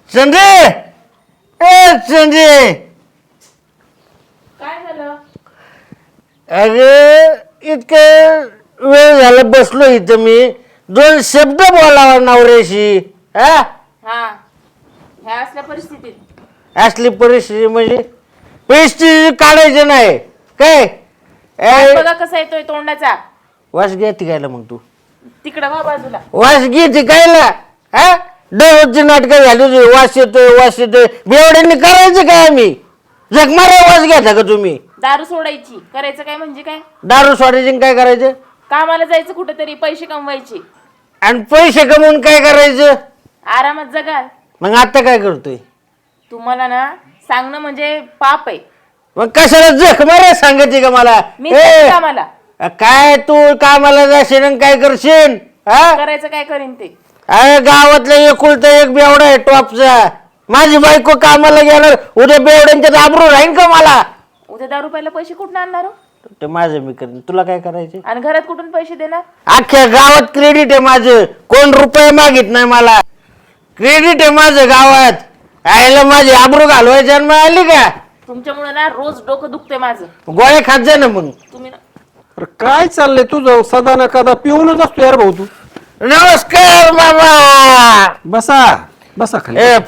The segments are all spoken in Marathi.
संजय संजय काय झालं? अरे इतकं वेळ झाला बसलो इथं मी दोन शब्द बोलावा नवऱ्याशी हा हा, ह्या असल्या परिस्थितीत असली परिस्थिती म्हणजे परिस्थिती काढायची नाही काय हात ए, बघा कसा येतोय तोंडाचा. वास घ्या तिघायला मग तू तिकडं वा बाजूला. वास घे तिघायला हा दररोजची नाटकं झाली तुझी वास येतोय बेवड्यांनी करायचं काय आम्ही जगमारा वास घ्यायचा का तुम्ही दारू सोडायची, करायचं काय म्हणजे काय? दारू सोडायची आणि काय करायचं कामाला जायचं कुठेतरी, पैसे कमवायचे, आणि पैसे कमवून काय करायचं आरामात जगाल. मग आता काय करतोय तुम्हाला ना सांगणं म्हणजे पाप आहे. मग कशाला जख मारा सांगायची का मला मी जाते कामाला. काय तू कामाला जाशील आणि काय करशील हा करायचं काय करीन ते. अरे गावातला एकुलता एक बेवडा आहे टॉपचा माझी बायको कामाला गेणार उद्या बेवड्यांच्यात आबरू राहीन का मला उद्या दारू प्यायला पैसे कुठून आणणार हो? ते माझं मी करेन तुला काय करायचे आणि घरात कुठून पैसे देणार? अख्ख्या गावात क्रेडिट आहे माझं कोण रुपये मागित नाही मला क्रेडिट आहे माझं गावात आईला माझी आबरू घालवायची जन्म आली का तुमच्यामुळे ना रोज डोकं दुखतंय माझं. गोळ्या खात जा ना मग तुम्ही ना अरे काय चाललंय तुझं सदा ना कदा पिऊनच असतो यार भाऊ तू. नमस्कार मामा बसा बसा खाली. ए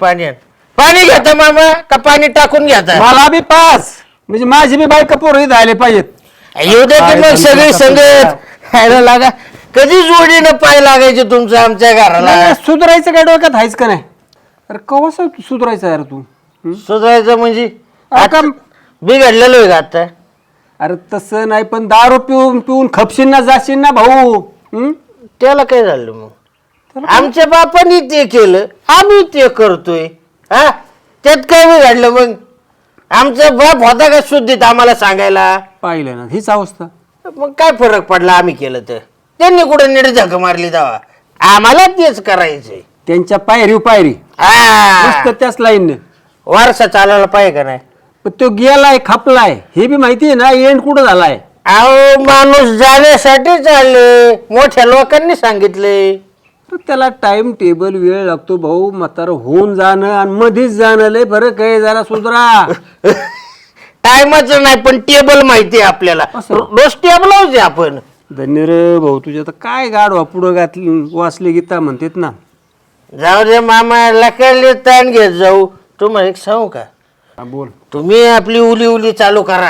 पाणी घेता मामा का पाणी टाकून घेता मला बी पास म्हणजे माझी बी बायका पोरं इथं आले पाहिजेत. येऊ दे की मग सगळी संगत खायला लागा कधी जोडीनं पाय लागायचे तुमचं आमच्या घराला नाही, सुधारायचं काय डोक्यात आहेच का नाही? अरे कवा सुधारायचं यार तू? सुधारायचं म्हणजे अरे का- बिघडलेलो आहे का आता अरे तसं नाही पण दारू पिऊन पिऊन खपशील ना जाशील ना भाऊ. हं? त्याला काय झालं मग आमच्या बापानी ते केलं आम्ही ते करतोय हा त्यात काय बिघडलं मग आमचा बाप होता का शुद्धीत आम्हाला सांगायला पाहिलं ना हीच अवस्था. मग काय फरक पडला आम्ही केलं तर त्यांनी कुठे नीट झक मारली तेव्हा आम्हाला तेच करायचंय त्यांच्या पायरी हा मस्त त्याच लाईनने. वारसा चालायला पाहिजे का नाही पण तो गेलाय खपलाय हे बी माहिती आहे ना एंड कुठं झालाय. अहो माणूस जाण्यासाठी चालले मोठ्या लोकांनी सांगितले तर त्याला टाइम टेबल वेळ लागतो भाऊ. म्हातारं होऊन जाणं आणि मध्येच जाणं लय फरक आहे. जरा सुधरा. टायमाचं नाही पण टेबल माहिती आहे आपल्याला असं? रोज टेबल होते आपण धन्य रे भाऊ तुझ्या तर काय गाडवा पुढं घातली वाचले गीता म्हणतात ना. जाऊ दे मामा लकडले ताण घेत जाऊ तुम्हाला एक सांगू का हा, बोल. तुम्ही आपली उली चालू करा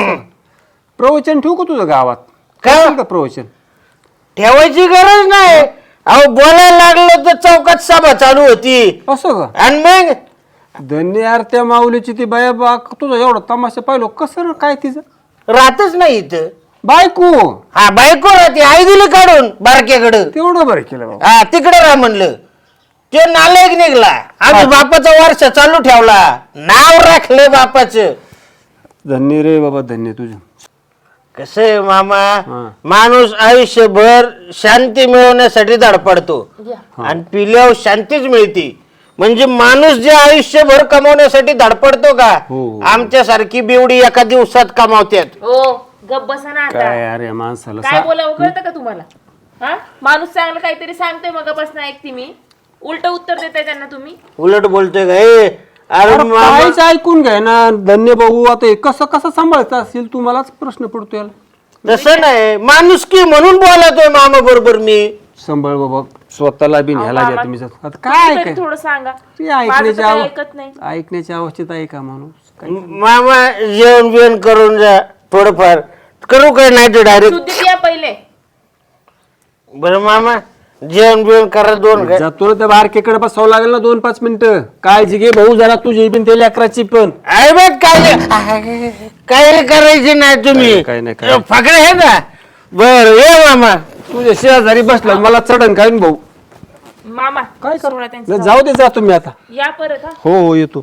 प्रवचन ठेवू का तुझं गावात? काय? करशील का प्रवचन? ठेवायची गरज नाही अहो बोलायला लागलं तर चौकात सभा चालू होती असं का? आणि मग धन्य यार त्या माऊलीची ती बाया बा तुझा एवढा तमाशा पाहिलो कसं रे काय तिचं राहतच नाही इथं बायको हा बायको राहते आई दिली काढून बारक्याकडं तेवढं बरं केलं बाबा. हा तिकडे राह म्हणलं ते नालायक निघला आम्ही बापाचा वर्ष चालू ठेवला नाव राखलं बापाचं धन्य रे बाबा धन्य तुझं. कसं आहे मामा हा. माणूस आयुष्यभर शांती मिळवण्यासाठी धडपडतो घ्या. आणि पिल्यावर शांतीच मिळते म्हणजे माणूस जे आयुष्यभर कमवण्यासाठी धडपडतो का हो. आमच्यासारखी बेवडी एका दिवसात कमावतात हो गप बसा ना आता. काय अरे माणसाला काय बोलावं कळतं का तुम्हाला? हा माणूस चांगलं काहीतरी सांगतोय मग बस ना ऐकते मी. उलट उत्तर देताय त्यांना तुम्ही. उलट बोलतोय का ए अरे अरे मामा काहीच ऐकून घ्या ना धन्य भाऊ. आता हे कसं सांभाळायचं असेल तुम्हालाच प्रश्न पडतो याला. तसं नाही माणूस की म्हणून बोलतोय मामा बरोबर मी सांभाळ बाबा स्वतःला बी न्यायला मामा, द्या तुम्ही जात. आता काय तुम्ही तरी काय थोडं सांगा. ते माझं तर ऐकण्याच्या काही ऐकत नाही. ऐकण्याच्या अवस्थेत आहे का माणूस काय? मामा जेवण बिवण करून जा थोडंफार करू काय नाही तर डायरेक्ट शुद्धीत या पहिले. बरं मामा जेवण बिवण करा दोन काय जातो ना त्या बारकेकडे बसावं लागेल ना 2-5 मिनिटं. काळजी घे भाऊ जरा तुझी पण ते लेकराची पण. अरे बघ काय करायचे नाही तुम्ही काय नाही, काय नाही. फकडे हे ना बर ये मामा तुझ्या शेजारी बसला मला चढण काय भाऊ. मामा काय सोडा त्यांचं. जाऊ दे जा तुम्ही आता. या परत हा. हो येतो.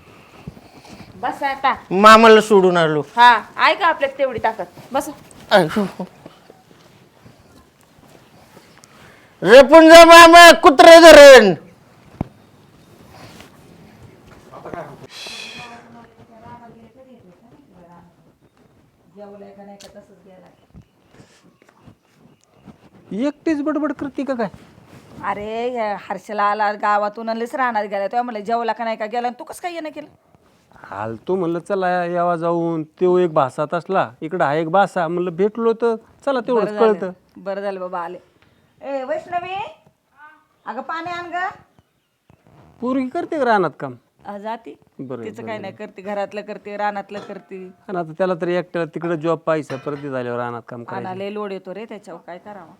बस आता. मामाला सोडून आलो हा ऐका आपल्यात तेवढी ताकद. बस. रेपून जा मामा कुत्रे धरण एकटीच बडबड करते का काय? अरे या हर्षला आला गावातून आणलेच राहणार गेला तेव्हा म्हणलं जेवला का नाही का गेला तू कसं काय येणं केलं आलतो म्हणलं चला यावा जाऊन तो एक भासात असला इकडं हा एक भासा म्हणलं भेटलो तर चला तेवढंच कळतं. बरं झालं बाबा आले ए वैष्णवी अगं पाणी आण ग पोरगी करते का रानात काम? जाती बरं, तिचं काय नाही करते घरातलं करते रानातलं करते आणि आता त्याला तरी एकट्याला तिकडे जॉब पाहिजे परत झाल्यावर रानात काम करायचं. आणाले लोड येतो रे त्याच्यावर काय करावं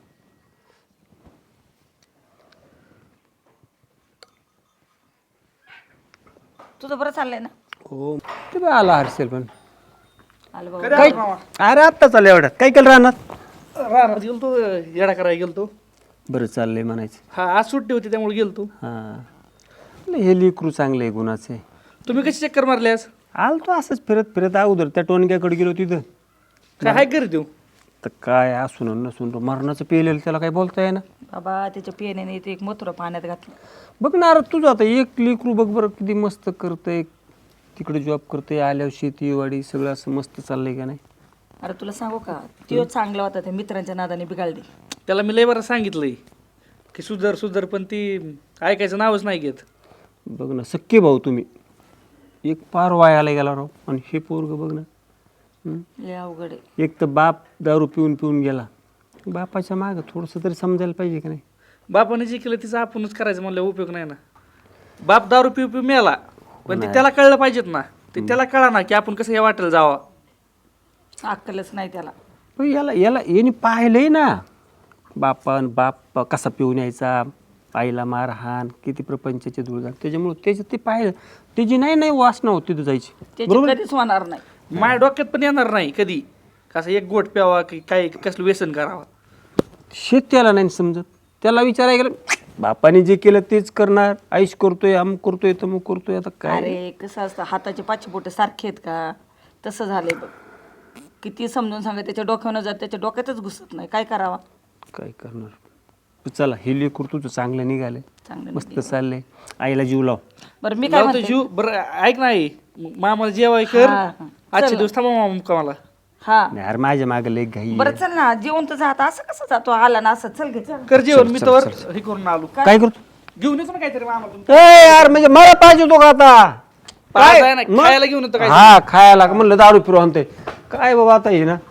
तुझं बरं चाललंय ना हो ते बी आला हर्षल पण आलं बाबा काय अरे आत्ता चाललं एवढ्यात काय केलं रानात? राहणार गेलतो येडा करायला गेलतो. बरं चाललंय म्हणायचं. हा आज सुट्टी होती त्यामुळे गेलतो. हां हे लेकरू चांगले गुणाचे. तुम्ही कशी चक्कर मारले आज? आलतो असंच फिरत फिरत अगोदर त्या टोनक्याकडे गेलो तिथं. काय हाय घरी देऊ? तर काय असून नसून मरणाचं पेलेलं त्याला काय बोलता येईना. बाबा त्याच्या पियाने ते एक मोत्र पाण्यात घातलं बघ ना अरे तुझं आता एक लेकरू बघ बरं किती मस्त करतंय तिकडे जॉब करतंय आल्यावर शेती वाडी सगळं असं मस्त चाललंय का नाही. अरे तुला सांगू का तो चांगला होता त्या मित्रांच्या नादाने बिघाडली त्याला मी लय बरं सांगितलंय की सुधर सुधर पण ती ऐकायचं नावच नाही घेत. बघ ना सख्खे भाऊ तुम्ही एक पार वायाला गेला राव आणि हे पोरग बघ ना. लय अवघड आहे एक तर बाप दारू पिऊन पिऊन गेला बापाच्या मागं थोडंसं तरी समजायला पाहिजे का नाही. बापाने जे केलं तिचं आपणच करायचं म्हणलं उपयोग नाही ना. बाप दारू पिऊ पिऊ मेला पण ते त्याला कळलं पाहिजेत ना. ते त्याला कळा ना की आपण कसं या वाटेल जावा. अक्कलच नाही त्याला पण याला याला याने पाहिलंय ना बाप कसा पिऊन यायचा आईला मारहाण किती प्रपंचाचे धूळधाण त्याच्यामुळे त्याच्यात ते पाहिलं त्याची नाही वासना होती तिथं जायची. त्याची कधीच होणार नाही माझ्या डोक्यात पण येणार नाही कधी कसं एक गोट प्यावा की काय कसलं व्यसन करावा. शेत त्याला नाही समजत. त्याला विचारायला गेलं बापाने जे केलं तेच करणार आईश करतोय अमुक करतोय तमुक करतोय आता काय. अरे कसं असतं हाताचे पाचशे बोट सारखे आहेत का तसं झालंय बघ किती समजून सांगा त्याच्या डोक्यानं जात त्याच्या डोक्यातच घुसत नाही काय करावा. काय करणार चला हे लेकरू तुझं चांगलं निघालंय चांगलं मस्त चाललंय आईला जीव लाव. बरं मी काय लावतो म्हणते जीव बरं ऐक नाही मामाला जेवाय कर हा, हा. आजच्या दिवस थांबा मामा मुक्कामाला. हा नाही अरे माझ्या मागे लय घाई बरं चल ना जेवण तर जात असं कसं जातो आला ना असं चल घे चल कर जेवण मी तर हे करून आलो. काय करतो घेऊन येतो ना काहीतरी मामा तुमचं. ए यार म्हणजे मला पाहिजे होतो का आता पाहायला नाही, खायला घेऊन येतो काय. हा खायला म्हणलं दारू पिरू आणते काय बाबा आता हे ना